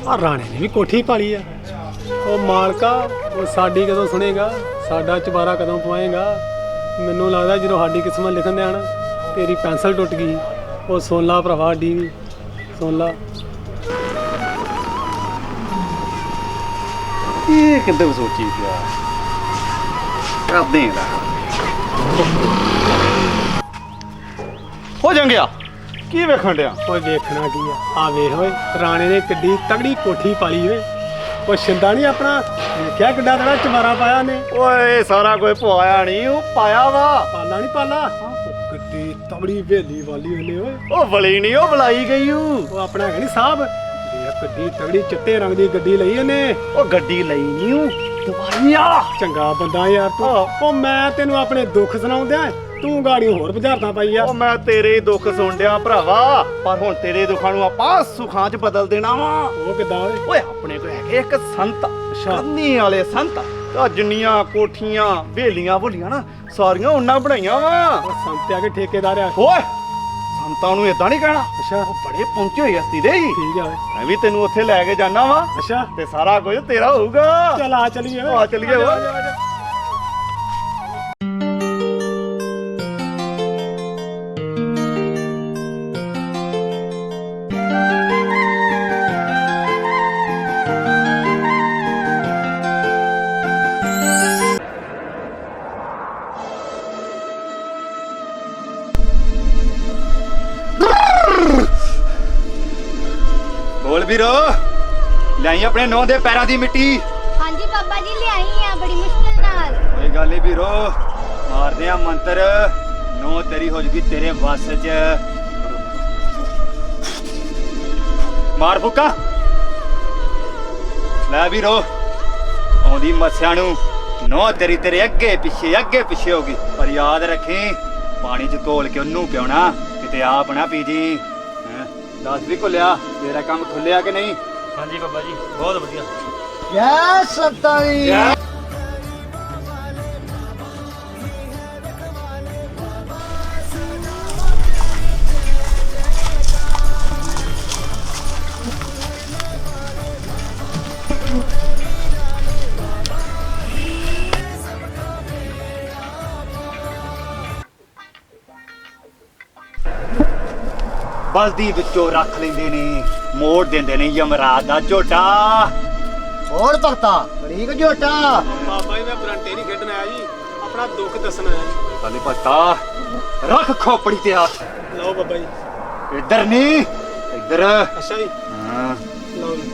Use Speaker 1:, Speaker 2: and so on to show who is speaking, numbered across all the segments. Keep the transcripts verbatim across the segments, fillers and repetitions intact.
Speaker 1: पर राणे ने भी कोठी पाली है। ओ मालका वो साडी कदों सुनेगा, साडा चबारा कदों पवाएगा। मैनू लगदा जो साडी किस्मत लिखन दे ना तेरी पेंसिल टुट गई। ओ सुन ला भरावा डी भी सुन ला।
Speaker 2: ये किधर सोची पिया करदे हो जंगिया की वेखण दिया?
Speaker 1: ओए देखना की है आ वेख ओए राणे ने किड्डी तगड़ी कोठी पाली ओए। ओ शिंदा नहीं अपना क्या किड्डा तगड़ा चबारा पाया ने।
Speaker 2: ओए सारा कोई पवाया नहीं वो पाया वा।
Speaker 1: पाला नहीं पाला किड्डी तगड़ी वेली वाली ओने ओए।
Speaker 2: ओ बली नहीं ओ बुलाई गई हूं।
Speaker 1: ओ अपना है नहीं साहब किड्डी तगड़ी चिट्टे रंग दी गड्डी लई ओने।
Speaker 2: ओ गड्डी लई नहीं हूं दवाइया।
Speaker 1: चंगा बंदा यार तू। ओ मैं तेनू अपने दुख सुनाउंदे तू गाड़ी होर बुझारता पाई आ।
Speaker 2: ओ मैं तेरे दुख सुन दिया भरावा पर हुण तेरे दुखां नू आपां सुखां च बदल देना वा।
Speaker 1: ओ किदां ओए?
Speaker 2: ओए अपने कोल हैगे एक संत करनी वाले संत आ जिन्नियां कोठियां वेलियां भुलियां ना सारियां उन्हां बनाईयां वा।
Speaker 1: ओ संत आके ठेकेदार आ।
Speaker 2: ओए संतां नू इदां नहीं कहना।
Speaker 1: अच्छा
Speaker 2: ओ बड़े पहुंचे होए हस्ती दे
Speaker 1: ठीक है
Speaker 2: मैं भी तेनू उत्थे लै के जाना वा
Speaker 1: अच्छा
Speaker 2: ते सारा कुछ तेरा होऊगा।
Speaker 1: चल आ चलिए
Speaker 2: आ चलिए वा। बोल भी रो लाई अपने नौ दे पैरों दी मिट्टी।
Speaker 3: हाँ जी बाबा जी ले आई हैं बड़ी मुश्किल नाल।
Speaker 2: कोई गल नहीं भी रो मार दे मंत्र नौ तेरी हो जगी तेरे वस च। मार फुका लै भी रो आउंदी मस्या नू नौ तेरी तेरे अगे पिछे अगे पिछे होगी पर याद रखी पानी च घोल के ओनू पियोना किते आप ना पी जी। दस भी खुलिया तेरा काम खुलिया कि नहीं?
Speaker 4: हाँ जी बाबा जी बहुत बढ़िया।
Speaker 5: जय संतानी।
Speaker 2: बल्दी विचों रख लेंदे ने मोड़ देंदे ने यमराज दा झोटा।
Speaker 5: और भगता बड़ी झोटा।
Speaker 1: बाबा जी मैं बरंटे नहीं खेडन आया जी अपना दुख दसना आया जी।
Speaker 2: साले पता रख खोपड़ी ते हाथ।
Speaker 1: लो बाबा जी।
Speaker 2: इधर नहीं इधर।
Speaker 1: अच्छा जी
Speaker 2: हाँ।
Speaker 1: लो जी।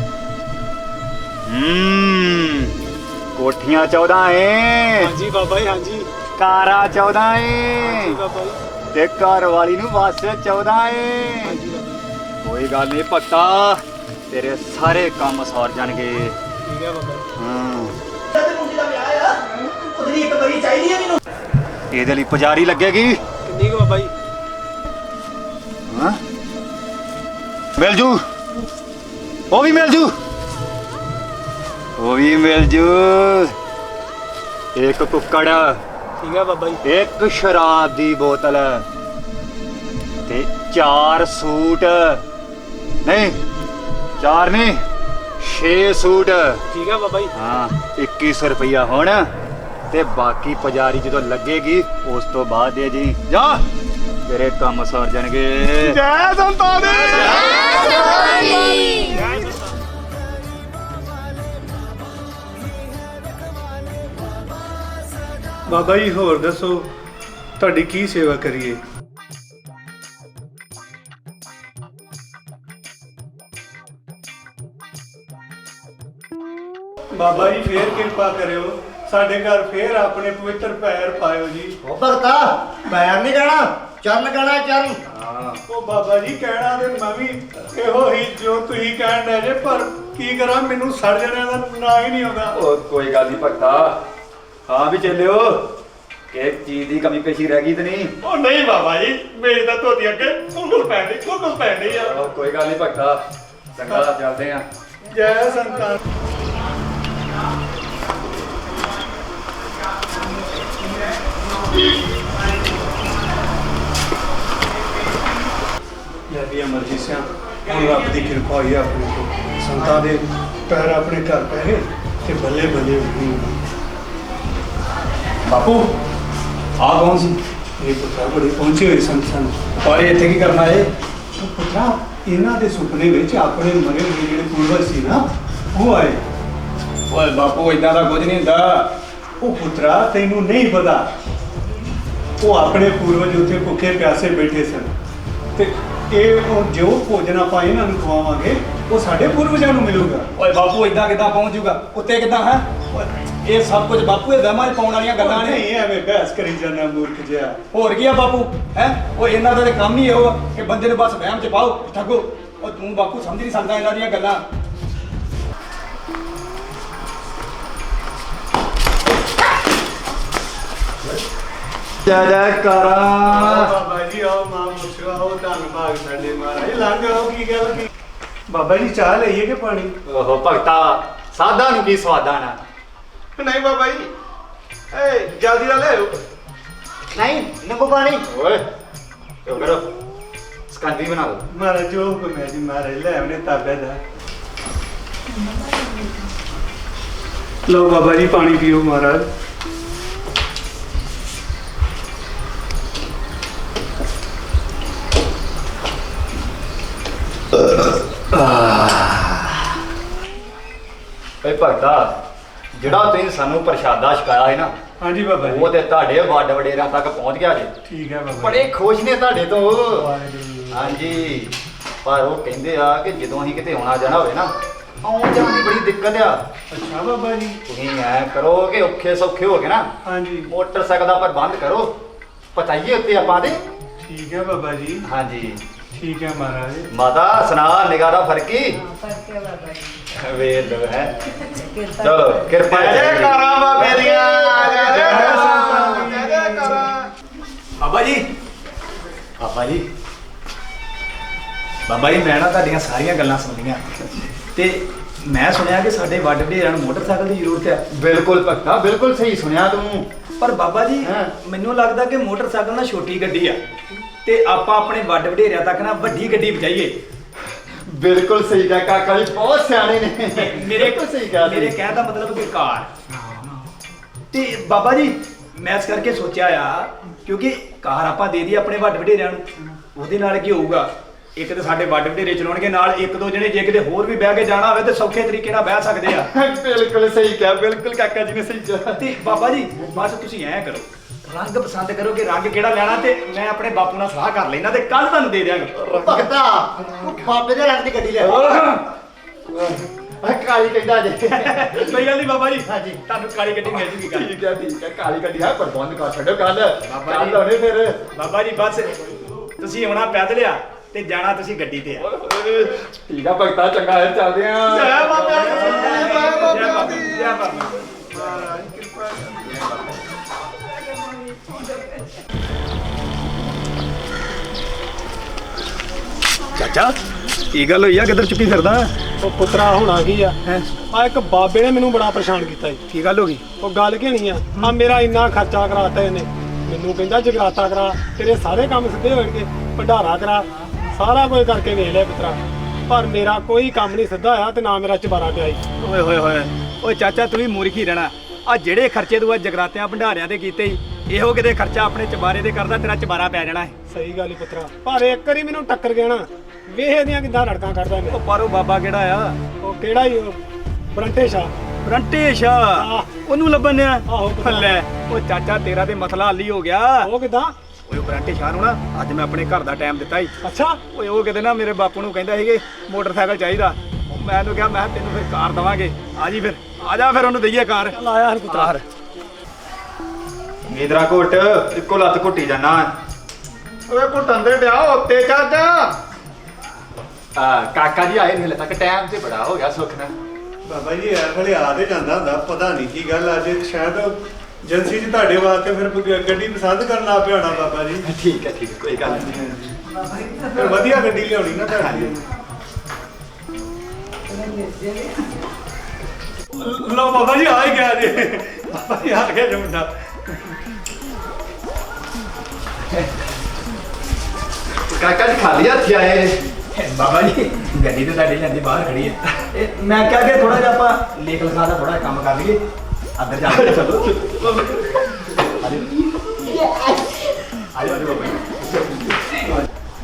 Speaker 2: हम्म कोठियां चौदह है
Speaker 1: हाँ जी बाबा जी हाँ जी।
Speaker 2: कारा चौदह
Speaker 1: हाँ
Speaker 2: है
Speaker 1: जी बाबा जी
Speaker 2: ते घर वाली नू बस चौदह
Speaker 1: हाँ
Speaker 2: है।
Speaker 1: जी बाबा जी
Speaker 2: कोई गल नहीं भगता तेरे सारे काम सौर जाणगे।
Speaker 1: ठीक है बाबा जी।
Speaker 2: हाँ ਇਹਦੇ ਲਈ ਪੁਜਾਰੀ ਲੱਗੇਗੀ।
Speaker 1: किन्नी को बाबा जी?
Speaker 2: ਹਾਂ ਮਿਲ ਜੂ ਉਹ ਵੀ ਮਿਲ ਜੂ ਉਹ ਵੀ ਮਿਲ ਜੂ। ਇੱਕ ਕੁੱਕੜ
Speaker 1: ठीक है बाबा जी।
Speaker 2: ਇੱਕ ਸ਼ਰਾਬ ਦੀ ਬੋਤਲ ਤੇ ਚਾਰ ਸੂਟ ਨਹੀਂ ਚਾਰ ਨਹੀਂ ਛੇ ਸੂਟ।
Speaker 1: ठीक है बाबा जी।
Speaker 2: ਹਾਂ ਇੱਕੀ ਸੌ ਰੁਪਇਆ ਹੁਣ ਤੇ ਬਾਕੀ ਪੁਜਾਰੀ ਜਦੋਂ ਲੱਗੇਗੀ ਉਸ ਤੋਂ ਬਾਅਦ ਦੇ ਜੀ ਜਾ ਤੇਰੇ ਕੰਮ ਸਰ ਜਾਣਗੇ। ਜੈ ਸੰਤਾਨੀ।
Speaker 6: ਬਾਬਾ ਜੀ ਹੋਰ ਦੱਸੋ ਤੁਹਾਡੀ ਕੀ ਸੇਵਾ ਕਰੀਏ? ਬਾਬਾ ਜੀ ਫੇਰ ਕਿਰਪਾ ਕਰਿਓ ਸਾਡੇ ਘਰ ਫੇਰ ਆਪਣੇ ਪਵਿੱਤਰ ਪੈਰ ਪਾਇਓ ਜੀ।
Speaker 5: ਉਹ ਭਗਤਾ ਪੈਰ ਨਹੀਂ ਕਹਿਣਾ ਚਰਨ ਕਹਿਣਾ ਚਰਨ।
Speaker 6: ਉਹ ਬਾਬਾ ਜੀ ਕਹਿਣਾ ਤੇ ਮੈਂ ਵੀ ਇਹੋ ਹੀ ਜੋ ਤੁਸੀਂ ਕਹਿਣ ਦੇ ਜੇ ਪਰ ਕੀ ਕਰਾਂ ਮੈਨੂੰ ਸੜ ਜਣਿਆਂ ਦਾ ਨਾਂ ਹੀ ਨਹੀਂ ਆਉਂਦਾ।
Speaker 2: ਉਹ ਕੋਈ ਗੱਲ ਨਹੀਂ ਭਗਤਾ ਹਾਂ ਵੀ ਚੱਲਿਓ ਕਿ ਚੀਜ਼ ਦੀ ਕਮੀ ਪੇਸ਼ੀ ਰਹਿ ਗਈ ਤੇ ਨਹੀਂ?
Speaker 6: ਉਹ ਨਹੀਂ ਬਾਬਾ ਜੀ ਮੇਰੀ ਤਾਂ ਧੋਤੀ ਅੱਗੇ ਕੁੰਡਲ ਪੈਂਦੀ ਕੁੰਡਲ ਪੈਂਦੀ ਆ।
Speaker 2: ਉਹ ਕੋਈ ਗੱਲ ਨਹੀਂ ਭਗਤਾ ਚੰਗਾ ਚੱਲਦੇ ਆ।
Speaker 6: ਜੈ ਸੰਤਾਨ। ਲੈ ਵੀ ਮਰਜੀ ਸਿਆ ਹੁਣ ਰੱਬ ਦੀ ਕਿਰਪਾ ਹੋਈ ਆ ਆਪਣੇ ਕੋਲ ਸੰਤਾਂ ਦੇ ਪੈਰ ਆਪਣੇ ਘਰ ਪੈ ਗਏ ਤੇ ਬੱਲੇ ਬੱਲੇ ਹੋਈ।
Speaker 2: ਬਾਪੂ ਆ ਕੌਣ ਸੀ?
Speaker 6: ਇਹ ਪੁੱਤਰਾ ਬੜੀ ਪਹੁੰਚੇ ਹੋਏ ਸੰਤ ਸਨ।
Speaker 2: ਪਰ ਇੱਥੇ ਕੀ ਕਰਨਾ ਏ?
Speaker 6: ਉਹ ਪੁੱਤਰਾ ਇਹਨਾਂ ਦੇ ਸੁਪਨੇ ਵਿੱਚ ਆਪਣੇ ਮਰੇ ਹੋਏ ਜਿਹੜੇ ਪੂਰਵਜ ਸੀ ਨਾ ਉਹ ਆਏ।
Speaker 2: ਓਏ ਬਾਪੂ ਇਦਾਂ ਦਾ ਕੁਝ ਨਹੀਂ ਹੁੰਦਾ।
Speaker 6: ਉਹ ਪੁੱਤਰਾ ਤੈਨੂੰ ਨਹੀਂ ਪਤਾ, ਉਹ ਆਪਣੇ ਪੂਰਵਜ ਉੱਥੇ ਭੁੱਖੇ ਪਿਆਸੇ ਬੈਠੇ ਸਨ ਤੇ ਇਹ ਉਹ ਜੋ ਭੋਜਨ ਆਪਾਂ ਇਹਨਾਂ ਨੂੰ ਖਵਾਵਾਂਗੇ ਉਹ ਸਾਡੇ ਪੂਰਵਜਾਂ ਨੂੰ ਮਿਲੂਗਾ।
Speaker 2: ਓਏ ਬਾਪੂ ਇਦਾਂ ਕਿੱਦਾਂ ਪਹੁੰਚ ਜੂਗਾ? ਉੱਤੇ ਕਿੱਦਾਂ ਹੈ? ਇਹ ਸਭ ਕੁਝ ਬਾਪੂ ਇਹ ਵਹਿਮਾਂ 'ਚ ਪਾਉਣ ਵਾਲੀਆਂ ਗੱਲਾਂ ਨੇ।
Speaker 6: ਨਹੀਂ ਐਵੇਂ ਬਹਿਸ ਕਰੀ ਜਾਂਦਾ ਮੂਰਖ ਜਿਹਾ।
Speaker 2: ਹੋਰ ਕੀ ਆ ਬਾਪੂ ਹੈ? ਉਹ ਇਹਨਾਂ ਦਾ ਤੇ ਕੰਮ ਹੀ ਇਹੋ ਆ ਕਿ ਬੰਦੇ ਨੂੰ ਬਸ ਵਹਿਮ 'ਚ ਪਾਓ, ਠੱਗੋ। ਉਹ ਤੂੰ ਬਾਪੂ ਸਮਝ ਨਹੀਂ ਸਕਦਾ ਇਹਨਾਂ ਦੀਆਂ ਗੱਲਾਂ। ਜੈ ਜੈਕਾਰਾਂ।
Speaker 6: ਬਾਬਾ ਜੀ ਆਓ ਮਾਂ ਮੁਸ਼ਰਾ ਹੋ ਧੰਨ ਭਾਗ ਸਾਡੇ ਮਹਾਰਾਜ। ਲੰਘ ਆਓ, ਕੀ ਗੱਲ ਕੀ? ਬਾਬਾ ਜੀ ਚਾਹ ਲਈਏ ਕਿ ਪਾਣੀ?
Speaker 2: ਓਹੋ ਭਗਤਾ, ਸਾਦਾ ਨੂੰ ਕੀ ਸਵਾਦਾ ਨਾ।
Speaker 6: ਨਹੀਂ ਬਾਬਾ ਜੀ, ਏ ਜਲਦੀ ਨਾਲ ਲੈ ਆਓ।
Speaker 5: ਨਹੀਂ ਨਿੰਬੂ ਪਾਣੀ।
Speaker 2: ਓਏ ਕਿਉਂ ਕਰੋ ਸਕੰਦੀ ਬਣਾ ਦੋ।
Speaker 6: ਮਹਾਰਾਜ ਜੋ ਹੁਕਮ ਹੈ ਜੀ ਮਹਾਰਾਜ ਲੈ ਆਉਣੇ ਤਾਬੇ ਦਾ। ਲਓ ਬਾਬਾ ਜੀ ਪਾਣੀ ਪੀਓ ਮਹਾਰਾਜ।
Speaker 2: ਓਏ ਭਗਤਾ, ਜਿਹੜਾ ਤੁਸੀਂ ਸਾਨੂੰ ਪ੍ਰਸ਼ਾਦਾ ਛਕਾਇਆ ਹੈ ਨਾ,
Speaker 6: ਹਾਂਜੀ ਬਾਬਾ ਜੀ।
Speaker 2: ਉਹ ਤੇ ਤੁਹਾਡੇ ਵੱਡ ਵਡੇਰਿਆਂ ਤੱਕ ਪਹੁੰਚ ਗਿਆ ਜੀ।
Speaker 6: ਠੀਕ ਹੈ ਬਾਬਾ
Speaker 2: ਬੜੇ ਖੁਸ਼ ਨੇ ਤੁਹਾਡੇ ਤੋਂ।
Speaker 6: ਵਾਹਿਗੁਰੂ।
Speaker 2: ਹਾਂਜੀ, ਪਰ ਉਹ ਕਹਿੰਦੇ ਆ ਕਿ ਜਦੋਂ ਅਸੀਂ ਕਿਤੇ ਆਉਣਾ ਜਾਣਾ ਹੋਵੇ ਨਾ, ਆਉਣ ਜਾਣ ਦੀ ਬੜੀ ਦਿੱਕਤ ਆ।
Speaker 6: ਅੱਛਾ ਬਾਬਾ ਜੀ।
Speaker 2: ਤੁਸੀਂ ਐ ਕਰੋ ਕਿ ਔਖੇ ਸੌਖੇ ਹੋ ਕੇ ਨਾ
Speaker 6: ਹਾਂਜੀ
Speaker 2: ਮੋਟਰਸਾਈਕਲ ਦਾ ਪ੍ਰਬੰਧ ਕਰੋ, ਪਤਾਈਏ ਉੱਤੇ ਆਪਾਂ ਦੇ।
Speaker 6: ਠੀਕ ਹੈ ਬਾਬਾ ਜੀ।
Speaker 2: ਹਾਂਜੀ
Speaker 6: ਠੀਕ ਹੈ ਮਹਾਰਾਜ।
Speaker 2: ਮਾਤਾ ਸੁਣਾ ਨਿਗਾਹ ਦਾ ਫਰਕੀ
Speaker 7: ਫਰਕ ਹੈ ਬਾਬਾ ਜੀ।
Speaker 2: ਵੇਖ ਲੋ ਹੈ। ਚਲੋ ਕਿਰਪਾ
Speaker 5: ਜੈਕਾਰਾਂ ਬਾਬੇ ਦੀਆਂ, ਜੈਕਾਰਾਂ,
Speaker 6: ਜੈਕਾਰਾਂ।
Speaker 2: ਬਾਬਾ ਜੀ, ਬਾਬਾ ਜੀ, ਬਾਬਾ ਜੀ ਮੈਂ ਨਾ ਤੁਹਾਡੀਆਂ ਸਾਰੀਆਂ ਗੱਲਾਂ ਸੁਣੀਆਂ ਤੇ ਮੈਂ ਸੁਣਿਆ ਕਿ ਸਾਡੇ ਵੱਡ ਵਡੇਰਿਆਂ ਨੂੰ ਮੋਟਰਸਾਈਕਲ ਦੀ ਜ਼ਰੂਰਤ ਹੈ। ਬਿਲਕੁਲ ਭਗਤਾ, ਬਿਲਕੁਲ ਸਹੀ ਸੁਣਿਆ ਤੂੰ। ਪਰ ਬਾਬਾ ਜੀ
Speaker 5: ਹਾਂ।
Speaker 2: ਮੈਨੂੰ ਲੱਗਦਾ ਕਿ ਮੋਟਰਸਾਈਕਲ ਨਾ ਛੋਟੀ ਗੱਡੀ ਆ ਤੇ ਆਪਾਂ ਆਪਣੇ ਵੱਡ ਵਡੇਰਿਆਂ ਤੱਕ ਨਾ ਵੱਡੀ ਗੱਡੀ ਪਹੁੰਚਾਈਏ। ਬਿਲਕੁਲ ਸਹੀ ਕਿਹਾ ਕਾਕਾ ਜੀ, ਬਹੁਤ ਸਿਆਣੇ ਨੇ। ਮੇਰੇ
Speaker 5: ਬਿਲਕੁਲ ਸਹੀ ਕਿਹਾ
Speaker 2: ਮੇਰੇ ਕਹਿਣ ਦਾ ਮਤਲਬ ਕਿ ਕਾਰ। ਤੇ ਬਾਬਾ ਜੀ ਮੈਂ ਇਸ ਕਰਕੇ ਸੋਚਿਆ ਆ ਕਿਉਂਕਿ ਕਾਰ ਆਪਾਂ ਦੇ ਦਈਏ ਆਪਣੇ ਵੱਡ ਵਡੇਰਿਆਂ ਨੂੰ, ਉਹਦੇ ਨਾਲ ਕੀ ਹੋਊਗਾ? ਇੱਕ ਤੇ ਸਾਡੇ ਵੱਡ ਵਡੇਰੇ ਚਲਾਉਣਗੇ, ਨਾਲ ਇੱਕ ਦੋ ਜਣੇ ਜੇ ਕਿਤੇ ਹੋਰ ਵੀ ਬਹਿ ਕੇ ਜਾਣਾ ਹੋਵੇ ਤੇ ਸੌਖੇ ਤਰੀਕੇ ਨਾਲ ਬਹਿ ਸਕਦੇ ਆ। ਬਿਲਕੁਲ ਸਹੀ ਕਿਹਾ, ਬਿਲਕੁਲ ਕਾਕਾ ਜੀ ਨੇ ਸਹੀ ਕਿਹਾ। ਤੇ ਬਾਬਾ ਜੀ ਬਸ ਤੁਸੀਂ ਐਂ ਕਰੋ, ਰੰਗ ਪਸੰਦ ਕਰੋ ਕਿ ਰੰਗ ਕਿਹੜਾ ਲੈਣਾ ਤੇ ਮੈਂ ਆਪਣੇ ਬਾਪੂ ਨਾਲ ਸਲਾਹ ਕਰ ਲੈਣਾ ਤੇ ਕੱਲ ਤੁਹਾਨੂੰ ਦੇ ਦਿਆਂਗਾ।
Speaker 5: ਭਗਤਾ ਤੂੰ ਬਾਬੇ ਦੇ ਰੰਗ ਦੀ ਗੱਡੀ ਲੈ ਆ। ਕਾਲੀ ਕਹਿੰਦਾ ਜੇ।
Speaker 2: ਕੋਈ ਗੱਲ ਨਹੀਂ ਬਾਬਾ ਜੀ,
Speaker 5: ਹਾਂਜੀ।
Speaker 2: ਤੁਹਾਨੂੰ ਕਾਲੀ ਗੱਡੀ ਮਿਲ ਜੂਗੀ ਕੱਲ।
Speaker 5: ਠੀਕ ਹੈ ਠੀਕ ਹੈ, ਕਾਲੀ ਗੱਡੀ ਹੈ ਪ੍ਰਬੰਧ ਕਰ ਛੱਡੋ ਕੱਲ।
Speaker 2: ਬਾਬਾ
Speaker 5: ਕੱਲ
Speaker 2: ਜੀ।
Speaker 5: ਆਉਣੇ ਫਿਰ।
Speaker 2: ਬਾਬਾ ਜੀ ਬਸ ਤੁਸੀਂ ਆਉਣਾ ਪੈਦਲ ਆ ਤੇ ਜਾਣਾ ਤੁਸੀਂ ਗੱਡੀ ਤੇ ਆ।
Speaker 5: ਠੀਕ ਆ ਭਗਤਾ, ਚੰਗਾ ਹੈ, ਚੱਲਦੇ ਆ।
Speaker 6: ਜੈ ਬਾਬਾ ਜੀ, ਜੈ ਬਾਬਾ
Speaker 2: ਜੈ ਬਾਬਾ
Speaker 6: ਜੀ।
Speaker 2: ਜੈ ਬਾਬਾ।
Speaker 6: ਮਹਾਰਾਜ ਕਿਰਪਾ ਕਰੋ।
Speaker 2: ਚਾਚਾ ਕੀ ਗੱਲ ਹੋਈ ਆ? ਕਿੱਧਰ ਚੁੱਕੀ ਫਿਰਦਾ?
Speaker 1: ਉਹ ਪੁੱਤਰਾ ਹੋਣਾ ਕੀ ਆ ਆ ਇੱਕ ਬਾਬੇ ਨੇ ਮੈਨੂੰ ਬੜਾ ਪਰੇਸ਼ਾਨ ਕੀਤਾ ਜੀ।
Speaker 2: ਕੀ ਗੱਲ ਹੋ ਗਈ?
Speaker 1: ਉਹ ਗੱਲ ਕੀ ਨਹੀਂ ਆ ਆ ਮੇਰਾ ਇੰਨਾ ਖਰਚਾ ਕਰਾਤਾ ਇਹਨੇ। ਮੈਨੂੰ ਕਹਿੰਦਾ ਜਗਰਾਤਾ ਕਰਾ, ਤੇਰੇ ਸਾਰੇ ਕੰਮ ਸਿੱਧੇ ਹੋਣਗੇ, ਭੰਡਾਰਾ ਕਰਾ, ਸਾਰਾ ਕੁਝ ਕਰਕੇ ਵੇਖ ਲਿਆ ਪੁੱਤਰਾ, ਪਰ ਮੇਰਾ ਕੋਈ ਕੰਮ ਨਹੀਂ ਸਿੱਧਾ ਹੋਇਆ ਤੇ ਨਾ ਮੇਰਾ ਚਬਾਰਾ ਪਿਆ ਜੀ।
Speaker 2: ਓਏ ਹੋਏ ਹੋਏ ਓਏ ਚਾਚਾ ਤੂੰ ਵੀ ਮੂਰਖੀ ਰਹਿਣਾ। ਆ ਜਿਹੜੇ ਖਰਚੇ ਤੂੰ ਆ ਜਗਰਾਤਿਆਂ ਭੰਡਾਰਿਆਂ ਤੇ ਕੀਤੇ ਹੀ, ਇਹੋ ਕਿਤੇ ਖਰਚਾ ਆਪਣੇ ਚਬਾਰੇ ਤੇ ਕਰਦਾ ਤੇਰਾ ਚਬਾਰਾ ਪੈ ਜਾਣਾ ਹੈ।
Speaker 1: ਸਹੀ ਗੱਲ ਹੀ ਪੁੱਤਰਾ, ਪਰ ਇੱਕ ਵਾਰੀ ਮੈਨੂੰ ਟੱਕਰ ਗਿਆ ਨਾ, ਵੇਖ ਇਹਦੀਆਂ ਕਿੱਦਾਂ ਰੜਕਾਂ ਕੱਢਦਾ ਇਹਨੇ।
Speaker 2: ਉਹ ਪਰ ਉਹ ਬਾਬਾ ਕਿਹੜਾ ਆ?
Speaker 1: ਉਹ ਕਿਹੜਾ ਹੀ ਉਹ ਬਰੰਟੇ ਸ਼ਾ।
Speaker 2: ਬਰੰਟੇ ਸ਼ਾ, ਉਹਨੂੰ ਲੱਭਣ ਆ?
Speaker 1: ਆਹੋ ਪੁੱਤਰਾ।
Speaker 2: ਲੈ ਉਹ ਚਾਚਾ ਤੇਰਾ ਤੇ ਮਸਲਾ ਹੱਲ ਹੀ ਹੋ ਗਿਆ।
Speaker 1: ਉਹ ਕਿੱਦਾਂ?
Speaker 2: ਓਏ ਉਹ ਬਰੰਟੇ ਸ਼ਾਹ ਨੂੰ ਨਾ ਅੱਜ ਮੈਂ ਆਪਣੇ ਘਰ ਦਾ ਟਾਈਮ ਦਿੱਤਾ ਸੀ।
Speaker 1: ਅੱਛਾ
Speaker 2: ਓਏ ਉਹ ਕਿਤੇ ਨਾ ਮੇਰੇ ਬਾਪੂ ਨੂੰ ਕਹਿੰਦਾ ਸੀਗੇ ਮੋਟਰਸਾਈਕਲ ਚਾਹੀਦਾ। ਮੈਂ ਉਹਨੂੰ ਕਿਹਾ ਮੈਂ ਕਿਹਾ ਤੈਨੂੰ ਫਿਰ ਕਾਰ ਦਵਾਂਗੇ। ਆ ਜੀ ਫਿਰ ਆ ਜਾ ਫਿਰ ਉਹਨੂੰ ਦਈਏ ਕਾਰ।
Speaker 1: ਚੱਲ ਆਇਆ ਹਰ ਪੁੱਤਰਾ।
Speaker 2: ਨੀਦਰਾ ਘੁੱਟ, ਇੱਕੋ ਲੱਤ ਘੁੱਟੀ ਜਾਣਾ।
Speaker 5: ਓਏ ਘੁੱਟਣ ਦੇ ਡਿਆ ਉੱਤੇ ਚਾਚਾ।
Speaker 2: ਆ ਕਾਕਾ ਜੀ ਆਏ ਹਲੇ ਤੱਕ, ਟਾਈਮ ਤੇ ਬੜਾ ਹੋ ਗਿਆ ਸੁੱਖ ਨਾਲ।
Speaker 6: ਬਾਬਾ ਜੀ ਐ ਵੇਲੇ ਆ ਤੇ ਜਾਂਦਾ ਹੁੰਦਾ, ਪਤਾ ਨਹੀਂ ਕੀ ਗੱਲ ਅੱਜ ਸ਼ਾਇਦ ਏਜੰਸੀ 'ਚ ਤੁਹਾਡੇ ਵਾਸਤੇ ਫਿਰ ਗ- ਗੱਡੀ ਪਸੰਦ ਕਰਨ ਲੱਗ ਪਿਆ ਹੋਣਾ ਬਾਬਾ ਜੀ।
Speaker 2: ਠੀਕ ਹੈ ਠੀਕ ਹੈ, ਕੋਈ ਗੱਲ ਨਹੀਂ।
Speaker 6: ਫਿਰ ਵਧੀਆ ਗੱਡੀ ਲਿਆਉਣੀ ਨਾ ਤੁਹਾਡੀ। ਲੋ ਬਾਬਾ ਜੀ ਆ ਹੀ ਗਿਆ ਜੀ। ਬਾਬਾ ਜੀ ਆ ਗਿਆ ਜੀ ਮੁੰਡਾ।
Speaker 2: ਕਾਕਾ ਜੀ ਖਾਲੀ ਹੱਥ ਆਏ।
Speaker 7: ਬਾਬਾ ਜੀ ਗੱਡੀ ਤੇ ਤੁਹਾਡੀ ਜਾਂਦੀ ਬਾਹਰ ਖੜੀ ਹੈ ਇਹ ਮੈਂ ਕਿਹਾ ਕਿ ਥੋੜਾ ਜਿਹਾ ਆਪਾਂ ਲੇਖ ਲਿਖਾ ਦਾ ਥੋੜਾ ਕੰਮ ਕਰ ਲਈਏ ਅੰਦਰ ਜਾ ਕੇ ਚਲੋ ਆਜੋ ਆਜੋ ਬਾਬਾ ਜੀ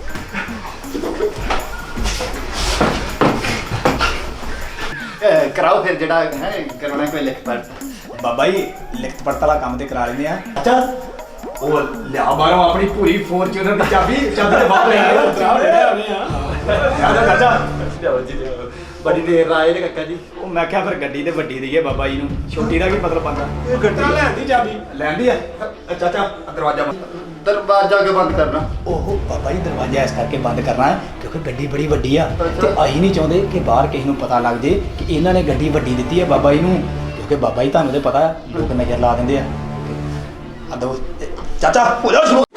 Speaker 5: ਅਹ ਕਰਾਓ ਫਿਰ ਜਿਹੜਾ ਹੈ ਕਰਾਉਣਾ ਕੋਈ ਲਿਖ ਪੜ
Speaker 7: ਬਾਬਾ ਜੀ ਲਿਖਤ ਪੜਤ ਵਾਲਾ ਕੰਮ ਤੇ ਕਰਾ ਲੈਂਦੇ ਆ ਅੱਛਾ ਉਹ ਲਿਆ ਬਾਹਰੋਂ ਆਪਣੀ ਪੂਰੀ ਫੋਰਚੂਨਰ ਦੀ ਚਾਬੀ ਚਾਬੀ ਤੇ ਬਾਹਰ ਲੈ ਆਇਆ ਚਾਹ ਲੈ ਆਉਣੇ ਆ ਆਜਾ ਚਾਚਾ ਲਿਆਓ ਜੀ ਲਿਆਓ
Speaker 5: ਬੜੀ ਦੇਰ ਆਏ ਨੇ ਕੱਕਾ ਜੀ
Speaker 7: ਉਹ ਮੈਂ ਕਿਹਾ ਫਿਰ ਗੱਡੀ ਤੇ ਵੱਡੀ ਦਈਏ ਬਾਬਾ ਜੀ ਨੂੰ ਛੋਟੀ ਦਾ ਕੀ ਮਤਲਬ ਬੰਦਾ
Speaker 6: ਇਹ ਗੱਡੀ ਲੈਂਦੀ ਚਾਬੀ
Speaker 7: ਲੈਂਦੀ ਆ ਚਾਚਾ ਦਰਵਾਜ਼ਾ ਬੰਦ
Speaker 5: ਦਰਵਾਜ਼ਾ ਕਿਉਂ ਬੰਦ ਕਰਨਾ
Speaker 7: ਉਹ ਬਾਬਾ ਜੀ ਦਰਵਾਜ਼ਾ ਇਸ ਕਰਕੇ ਬੰਦ ਕਰਨਾ ਹੈ ਕਿਉਂਕਿ ਗੱਡੀ ਬੜੀ ਵੱਡੀ ਆ ਤੇ ਅਸੀਂ ਨਹੀਂ ਚਾਹੁੰਦੇ ਕਿ ਬਾਹਰ ਕਿਸੇ ਨੂੰ ਪਤਾ ਲੱਗ ਜੇ ਕਿ ਇਹਨਾਂ ਨੇ ਗੱਡੀ ਵੱਡੀ ਦਿੱਤੀ ਹੈ ਬਾਬਾ ਜੀ ਨੂੰ ਕਿਉਂਕਿ ਬਾਬਾ ਜੀ ਤੁਹਾਨੂੰ ਤੇ ਪਤਾ ਲੋਕ ਨਜ਼ਰ ਲਾ ਦਿੰਦੇ ਆ ਆ ਦੋ ਚਾਚਾ ਹੋ ਜਾ ਸ਼ੁਰੂ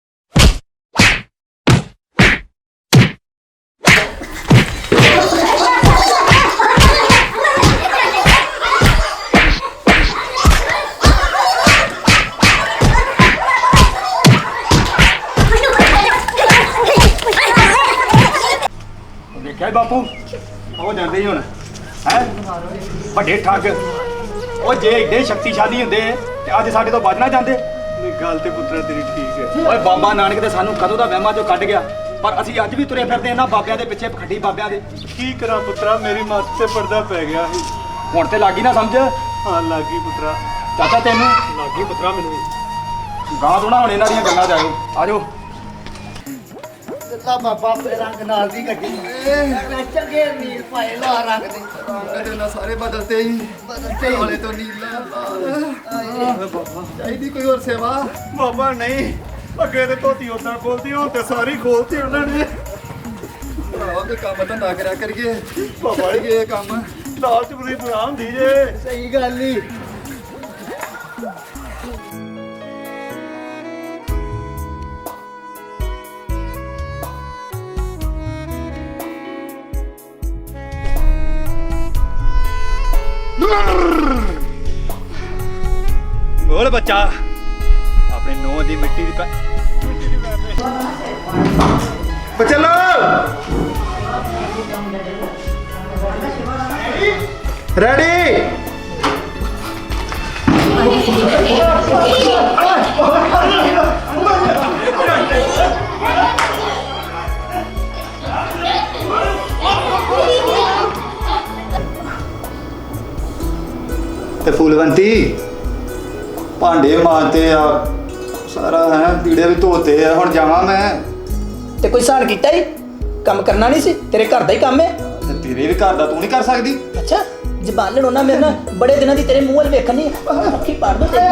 Speaker 7: ਦੇਖਿਆ ਬਾਪੂ ਉਹ ਜਾਂਦੇ ਹੀ ਹੁਣ ਹੈ ਵੱਡੇ ਠੱਗ ਉਹ ਜੇ ਏਡੇ ਸ਼ਕਤੀਸ਼ਾਲੀ ਹੁੰਦੇ ਤੇ ਅੱਜ ਸਾਡੇ ਤੋਂ ਬਚ ਨਾ ਜਾਂਦੇ
Speaker 6: ਨਹੀਂ ਗੱਲ ਤੇ ਪੁੱਤਰਾ ਤੇਰੀ ਠੀਕ ਹੈ
Speaker 7: ਓਏ ਬਾਬਾ ਨਾਨਕ ਤੇ ਸਾਨੂੰ ਕਦੋਂ ਦਾ ਵਹਿਮਾਂ ਚੋਂ ਕੱਢ ਗਿਆ ਪਰ ਅਸੀਂ ਅੱਜ ਵੀ ਤੁਰੇ ਫਿਰਦੇ ਇਹਨਾਂ ਬਾਬਿਆਂ ਦੇ ਪਿੱਛੇ ਪਖੰਡੀ ਬਾਬਿਆਂ ਦੇ
Speaker 6: ਕੀ ਕਰਾਂ ਪੁੱਤਰਾ ਮੇਰੀ ਮੱਤ ਤੇ ਪਰਦਾ ਪੈ ਗਿਆ ਸੀ
Speaker 7: ਹੁਣ ਤੇ ਲੱਗੀ ਨਾ ਸਮਝ
Speaker 6: ਹਾਂ ਲੱਗੀ ਪੁੱਤਰਾ
Speaker 7: ਚਾਚਾ ਤੈਨੂੰ
Speaker 1: ਲਾਗੀ ਪੁੱਤਰਾ ਮੈਨੂੰ
Speaker 7: ਗਾਂ ਤੋਂ ਨਾ ਹੁਣ ਇਹਨਾਂ ਦੀਆਂ ਗੱਲਾਂ ਚ ਆਇਓ ਆਜੋ
Speaker 5: ਦਿੱਤਾ ਬਾਬਾ ਰੰਗ ਨਾਲ ਦੀ ਗੱਡੀ ਮੈਂ ਚੰਗੇ ਨੀਲ ਪਾਏ ਲਾ ਰੰਗ ਦੇ ਕਦੇ ਨਾ ਸਾਰੇ ਬਦਲਤੇ ਹੀ ਬਦਲਤੇ ਵਾਲੇ ਤੋਂ ਨੀਲਾ ਚਾਹੀਦੀ ਕੋਈ ਹੋਰ ਸੇਵਾ
Speaker 6: ਬਾਬਾ ਨਹੀਂ ਅੱਗੇ ਤੇ ਧੋਤੀ ਉਦਾਂ ਖੋਲਦੀ ਹੁਣ ਤੇ ਸਾਰੀ ਖੋਲਤੀ ਉਹਨਾਂ ਨੇ
Speaker 5: ਭਰਾਵਾ ਕੋਈ ਕੰਮ ਤਾਂ ਨਾ ਕਰਿਆ ਕਰੀਏ ਬਾਬਾ ਜੀ ਇਹ ਕੰਮ
Speaker 6: ਲਾਲਚ ਬੁਰੀ ਬਣਾ ਹੁੰਦੀ ਜੇ
Speaker 5: ਸਹੀ ਗੱਲ ਨਹੀਂ
Speaker 2: ਬੋਲ ਬੱਚਾ ਆਪਣੇ ਨੌਂ ਦੀ ਮਿੱਟੀ ਦੀ ਪੈ-
Speaker 5: ਚਲੋ ਰੈਡੀ
Speaker 2: ਤੇ ਫੂਲਵੰਤੀ ਭਾਂਡੇ ਮਾਂਜਤੇ ਆ ਸਾਰਾ ਹੈ ਪੀੜੇ ਵੀ ਧੋਤੇ ਆ ਹੁਣ ਜਾਵਾਂ ਮੈਂ
Speaker 8: ਤੇ ਕੋਈ ਸਾਨ ਕੀਤਾ ਹੀ ਕੰਮ ਕਰਨਾ ਨਹੀਂ ਸੀ ਤੇਰੇ ਘਰ ਦਾ ਹੀ ਕੰਮ ਹੈ
Speaker 2: ਤੇ ਤੇਰੇ ਵੀ ਘਰ ਦਾ ਤੂੰ ਨਹੀਂ ਕਰ ਸਕਦੀ
Speaker 8: ਅੱਛਾ ਜ਼ਬਾਨ ਲੜੋਣਾ ਮੇਰੇ ਨਾਲ ਬੜੇ ਦਿਨਾਂ ਦੀ ਤੇਰੇ ਮੂੰਹ ਵੱਲ ਵੇਖਣੀ ਅੱਖੀ ਪਾੜ ਦੋ ਤੇਰੀ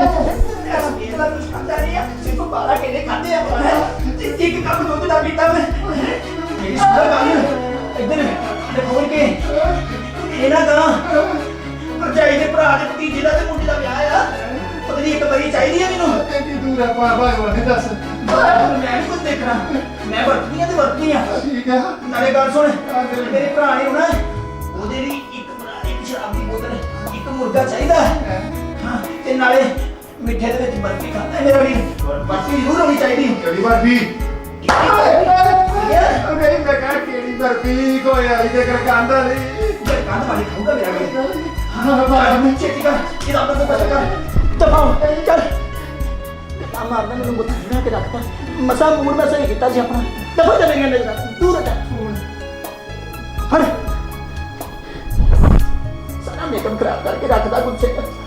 Speaker 7: ਇੱਕ ਕੰਮ ਦੁੱਧ ਦਾ ਪੀਤਾ ਮੈਂ ਮੇਰੀ ਸੁਣਾ ਗੱਲ ਇੱਧਰ ਤੇ ਖੋਲ ਕੇ ਇਹਨਾਂ ਦਾ ਭਰਜਾਈ ਦੇ ਭਰਾ ਦੇ ਭਤੀਜੇ ਦਾ ਤੇ ਮੁੰਡੇ ਦਾ ਵਿਆਹ ਆ ਪਤਾ ਨਹੀਂ ਇੱਕ ਵਾਰੀ ਚਾਹੀਦੀ ਆ ਮੈਨੂੰ
Speaker 5: ਕਿੰਨੀ ਦੂਰ ਆ ਭਗਵਾਨ ਨੇ ਦੱਸ
Speaker 7: ਮੈਂ ਨਹੀਂ ਕੁਝ ਦੇਖਣਾ ਮੈਂ ਵਰਤਨੀ ਆ ਤੇ ਵਰਤਨੀ ਆ
Speaker 5: ਠੀਕ ਆ
Speaker 7: ਨਾਲੇ ਗੱਲ ਸੁਣ ਮੇਰੇ ਭਰਾ ਨੇ ਹੋਣਾ ਉਹਦੇ ਲਈ ਇੱਕ ਬਣਾ ਇੱਕ ਸ਼ਰਾਬ ਦੀ ਬੋਤਲ ਇੱਕ ਮੁਰਗਾ ਚਾਹੀਦਾ ਹਾਂ ਤੇ ਨਾਲੇ ਮਿੱਠੇ ਦੇ ਵਿੱਚ ਬਰਫੀ ਖਾਂਦਾ ਮੇਰਾ ਵੀ ਬਰਫੀ ਜ਼ਰੂਰ ਹੋਣੀ ਚਾਹੀਦੀ
Speaker 5: ਕਿਹੜੀ ਬਰਫੀ ਨਹੀਂ ਮੈਂ ਕਹਾਂ ਕਿਹੜੀ ਬਰਫੀ ਕੋਈ ਆਈ ਦੇ ਕਰ ਕਾਂਦਾ ਨਹੀਂ
Speaker 7: ਮੈਂ ਕੰਧ ਵਾਲੀ ਖਾਊਗਾ ਮੇਰਾ ਵੀ
Speaker 5: ਹਾਂ ਬਾਬਾ
Speaker 7: ਮੈਂ ਛੇਤੀ ਕਰ ਇਹਦਾ ਅੰਦਰ ਤੋਂ ਬਚਾ ਕਰ ਦਬਾਓ ਚੱਲ ਆ ਮਾਰਦਾ ਮੈਨੂੰ ਮੁੱਠਾ ਬਣਾ ਕੇ ਰੱਖਤਾ ਮਸਾ ਮੂਡ ਮੈਂ ਸਹੀ ਕੀਤਾ ਸੀ ਆਪਣਾ ਦਫਾ ਚਲੇ ਗਏ ਮੇਰੇ ਨਾਲ ਦੂਰ ਹਟ ਫੜ ਸਾਰਾ ਮੇਕਅਪ ਖਰਾਬ ਕਰਕੇ ਰੱਖਦਾ ਕੁਛ